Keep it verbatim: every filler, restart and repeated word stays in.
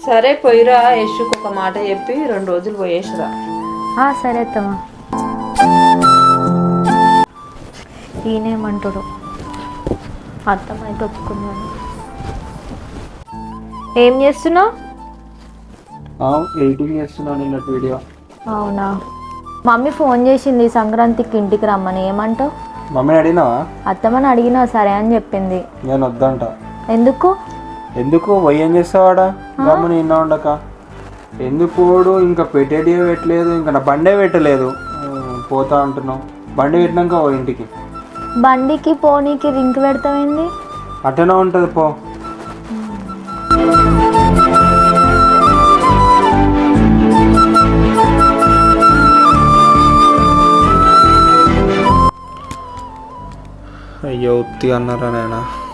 సరే పోయిరా, యశుకు ఒక మాట చెప్పి రెండు రోజులు పోయేసిరా. సరే అత్తమ్మా. ఈయనేమంటాడు? అత్తమ్మ అయితే ఒప్పుకున్నాను. ఏం చేస్తున్నావు? ఎడిటింగ్ చేస్తున్నాను నిన్నటి వీడియో. అవునా? మమ్మీ ఫోన్ చేసింది సంక్రాంతికి ఇంటికి రమ్మని. ఏమంటావు? మమ్మీని అడిగినావా? అత్తమ్మని అడిగినా సరే అని చెప్పింది. నేను వద్దంట. ఎందుకు? ఎందుకు పోయి ఏం చేస్తావాడా? గమ్ముని నిన్న ఉండక ఎందుకు పోడు? ఇంకా పెట్టేదే పెట్టలేదు, ఇంకా నా బండే పెట్టలేదు. పోతా అంటున్నావు. బండి పెట్టినాక ఓ ఇంటికి. బండికి పోనీకి రింక్ పెడతామైంది. అట్టనే ఉంటుంది పో. అయ్యో ఉత్తి అన్నారా నాయనా.